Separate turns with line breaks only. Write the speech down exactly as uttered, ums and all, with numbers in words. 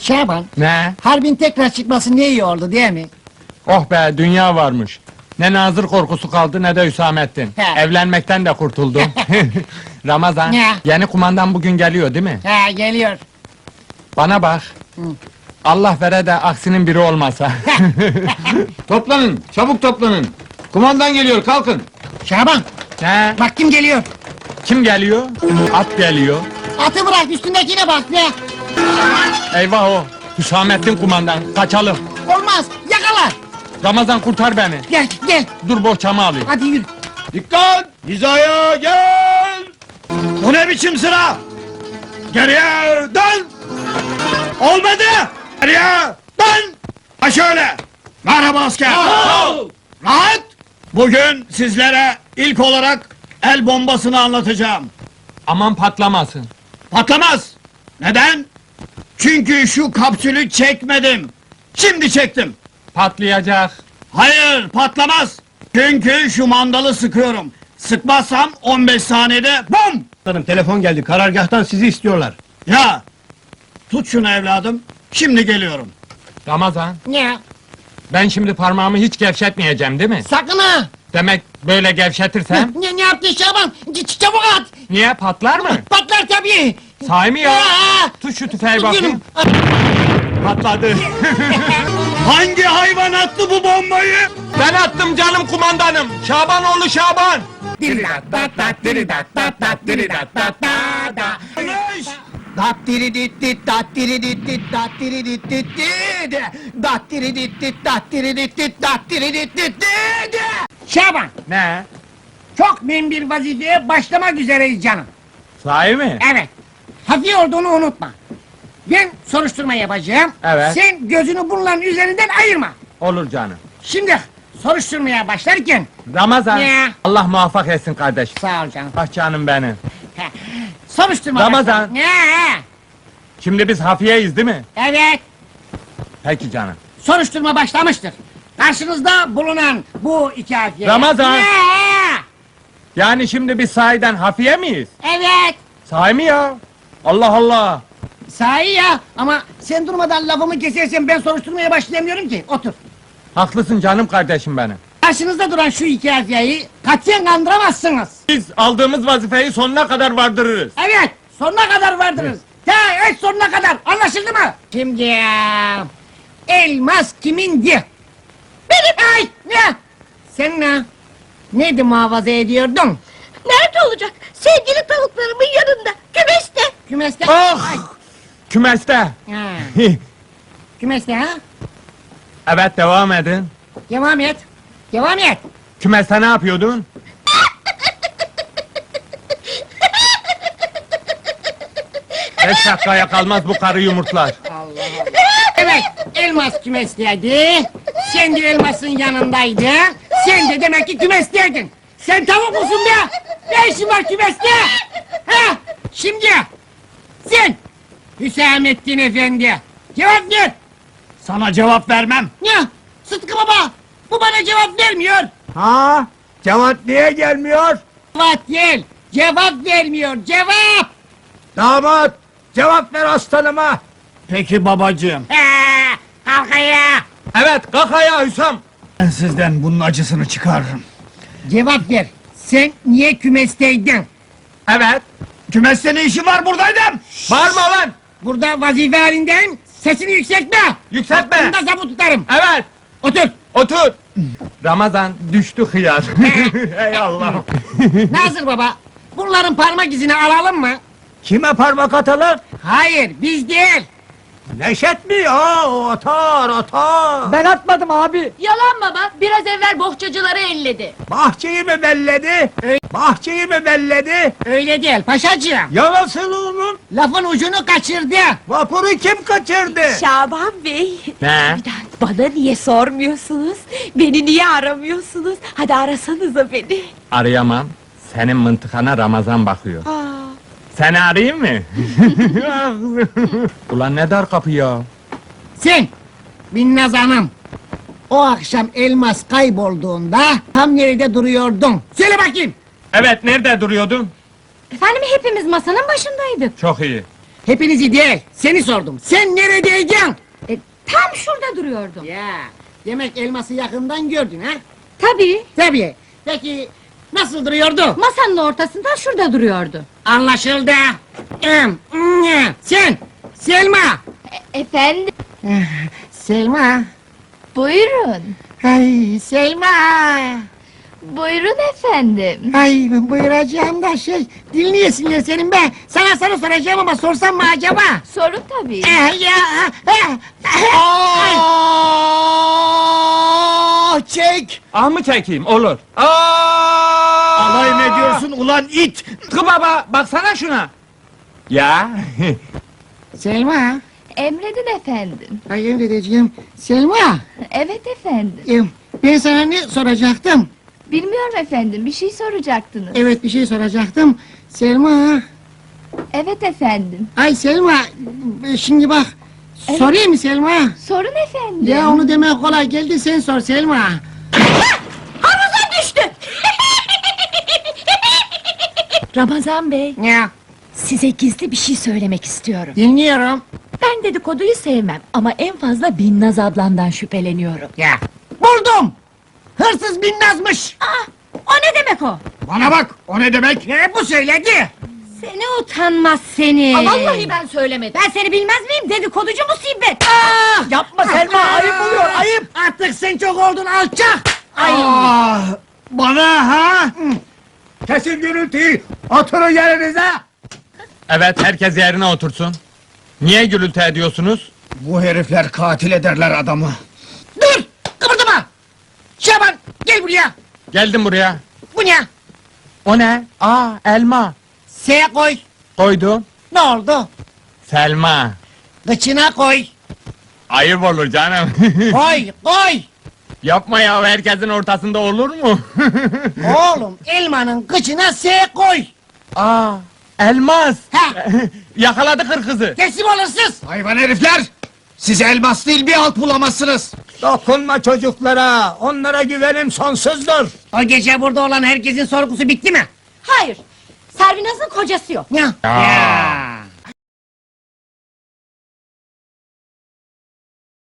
Şaban,
Ne?
harbin tekrar çıkması ne iyi oldu değil mi?
Oh be, dünya varmış. Ne Nazır korkusu kaldı ne de Hüsamettin.
He.
Evlenmekten de kurtuldum. Ramazan,
Ne?
yeni kumandan bugün geliyor değil mi?
Ha, geliyor.
Bana bak.
Hı.
Allah vere de aksinin biri olmasa.
Toplanın, çabuk toplanın. Kumandan geliyor, kalkın.
Şaban,
Ne?
bak kim geliyor.
Kim geliyor? At geliyor.
Atı bırak, üstündekine bak be.
Eyvah o! Hüsamettin kumandan, kaçalım!
Olmaz, yakala.
Ramazan kurtar beni!
Gel, gel.
Dur bohçamı alayım.
Hadi yürü.
Dikkat! Hizaya gel! Bu ne biçim sıra? Geriye dön! Olmadı! Geriye dön! Ha şöyle! Merhaba asker! Rahat! Bugün sizlere ilk olarak el bombasını anlatacağım.
Aman patlamasın!
Patlamaz! Neden? Çünkü şu kapsülü çekmedim. Şimdi çektim.
Patlayacak!
Hayır, patlamaz. Çünkü şu mandalı sıkıyorum. Sıkmazsam on beş saniyede bum!
Hanım telefon geldi. Karargâhtan sizi istiyorlar.
Ya! Tut şunu evladım. Şimdi geliyorum.
Ramazan,
Ne?
ben şimdi parmağımı hiç gevşetmeyeceğim değil mi?
Sakın ha.
Demek böyle gevşetirsem,
Ne, ne yaptın Şaban? Ç- çabuk at.
niye patlar mı?
Patlar tabii.
Sahi mi ya?
Aa!
Tut şu tüfeği
Tut
bakayım.
yürü.
Patladı!
Hangi hayvan attı bu bombayı?
Ben attım canım kumandanım! Şabanoğlu Şaban!
Yanlış!
Dat diri dit dit dat diri dit dit dat diri dit dit dit dat diri dit dit dat diri dit dit dat diri dit dit dit.
Şaban,
Ne?
çok mühim bir vazifeye başlamak üzereyiz canım.
Sahi mi?
Evet. Hafif olduğunu unutma. Ben soruşturma yapacağım.
Evet.
Sen gözünü bunların üzerinden ayırma.
Olur canım.
Şimdi soruşturmaya başlarken...
Ramazan,
Ne?
Allah muvaffak etsin kardeşim.
Sağ ol canım.
Ah canım benim.
Heh. Soruşturma
Ramazan.
başlar- Ne?
Şimdi biz hafiyeyiz değil mi?
Evet.
Peki canım.
Soruşturma başlamıştır. Karşınızda bulunan bu iki hafiye...
Ramazan.
Ne?
Yani şimdi biz sahiden hafiye miyiz?
Evet.
Sahi mi ya? Allah Allah!
Sahi ya, ama sen durmadan lafımı kesersen ben soruşturmaya başlayamıyorum ki. Otur.
Haklısın canım kardeşim benim.
Karşınızda duran şu iki hafiyeyi katiyen kandıramazsınız.
Biz aldığımız vazifeyi sonuna kadar vardırırız.
Evet, sonuna kadar vardınız. Ya evet, sonuna kadar, anlaşıldı mı? Şimdi ya, elmas kimindi? Benim! Ay, ne? Sen ne? Neydi muhafaza ediyordun?
Nerede olacak? Sevgili tavuklarımın yanında, kümeste.
Kümeste?
Ah!
Ay,
Kümeste!
ha, kümeste ha?
Evet devam edin.
Devam et, devam et.
Kümeste ne yapıyordun? Beş dakikaya kalmaz bu karı yumurtlar.
Evet, elmas kümesteydi. Sen de elmasın yanındaydın. Sen de demek ki kümesteydin. Sen tavuk musun be? Ne işin var kümeste? Ha? Şimdi sen Hüsamettin Efendi cevap ver.
Sana cevap vermem.
Ne? Sıtkı baba, bu bana cevap vermiyor.
Ha? Cevat niye gelmiyor?
Cevap değil, cevap vermiyor, cevap.
Damat cevap ver aslanıma.
Peki babacığım.
Ha, kalk ayağa.
Evet kalk ayağa Hüsam.
Ben sizden bunun acısını çıkarırım.
Cevap ver. Sen niye kümesteydin?
Evet.
Kümeste ne işi var buradaydım?
Bağırma lan.
Burada vazife halindeyim. Sesini yükseltme.
Yükseltme.
Aklımda zabut tutarım.
Evet.
Otur.
Otur. Ramazan düştü hıyar. Ey Allah.
Nazır baba, bunların parmak izini alalım mı?
Kime parmak atalım?
Hayır, biz değil.
Neşet mi? Aa, o atar atar.
Ben atmadım abi.
Yalan baba, biraz evvel bohçacıları elledi.
Bahçeyi mi belledi?
Öyle-
Bahçeyi mi belledi?
Öyle değil paşacığım.
Ya nasıl oğlum?
Lafın ucunu kaçırdı.
Vapuru kim kaçırdı?
Şaban Bey.
Ne?
Bana niye sormuyorsunuz? Beni niye aramıyorsunuz? Hadi arasanıza beni.
Arayamam. Senin mıntıkana Ramazan bakıyor.
Aa,
Seni arayayım mı? Ulan ne dar kapı ya.
Sen, Binnaz Hanım. O akşam elmas kaybolduğunda tam nerede duruyordun? Söyle bakayım.
Evet nerede duruyordun?
efendim hepimiz masanın başındaydık.
Çok iyi.
Hepinizi değil, seni sordum. Sen neredeydin?
E, tam şurada duruyordum.
Ya, demek elması yakından gördün ha?
Tabii.
Tabii. Peki, nasıl duruyordu?
Masanın ortasında şurada duruyordu.
Anlaşıldı. Em, mm, Sen, Selma.
Efendim?
Selma.
Buyurun.
Ay, Selma.
Buyurun efendim.
Ay, buyuracağım da şey, dinleyesin ya senin be. Sana soru soracağım ama sorsam mı acaba?
Sorun tabii.
Eh, ya, eh, eh, ay.
Aa, çek!
Ah mı çekeyim? Olur. Aa!
Alay mı ediyorsun ulan it?
Tıkı baba, baksana şuna. Ya.
Selma.
Emredin efendim.
Ay emredeceğim. Selma.
Evet efendim.
em, Ben sana ne soracaktım?
Bilmiyorum efendim, bir şey soracaktınız.
Evet bir şey soracaktım. Selma.
Evet efendim.
Ay Selma. e, Şimdi bak.
Evet.
Sorayım mı Selma?
Sorun efendim.
Ya onu demek kolay geldi sen sor Selma.
Havuza düştü. Ramazan Bey,
Ya
size gizli bir şey söylemek istiyorum.
dinliyorum.
Ben dedikoduyu sevmem ama en fazla Binnaz ablamdan şüpheleniyorum.
Ya buldum. Hırsız Binnaz'mış.
Aa, o ne demek o?
Bana bak, o ne demek?
Ne bu söyledi?
Seni utanmaz seni.
Aa,
vallahi ben söylemedim. Ben seni bilmez miyim? Dedikoducu musibet.
Ah!
Yapma Selma, ayıp oluyor, ayıp!
Artık sen çok oldun alçak. Ay.
Ah, bana ha? Kesin gürültüyü, oturun yerinize!
Evet, herkes yerine otursun. Niye gürültü ediyorsunuz?
Bu herifler katil ederler adamı.
Dur! Kıpırdama! Şaban gel buraya.
Geldim buraya.
Bu ne?
O ne? Aa, elma.
S koy.
Koydum.
Ne oldu?
Selma.
Kıçına koy.
Ayıp olur canım.
Koy koy.
Yapma ya, herkesin ortasında olur mu?
Oğlum elmanın kıçına S koy.
Aa, elmas.
Ha.
Yakaladı hırkızı.
Teslim olursunuz.
Hayvan herifler! Siz elmas değil bir alt bulamazsınız.
Dokunma çocuklara, onlara güvenim sonsuzdur.
O gece burada olan herkesin sorgusu bitti mi?
Hayır. Servinaz'ın kocası yok.
Ya.
Ya.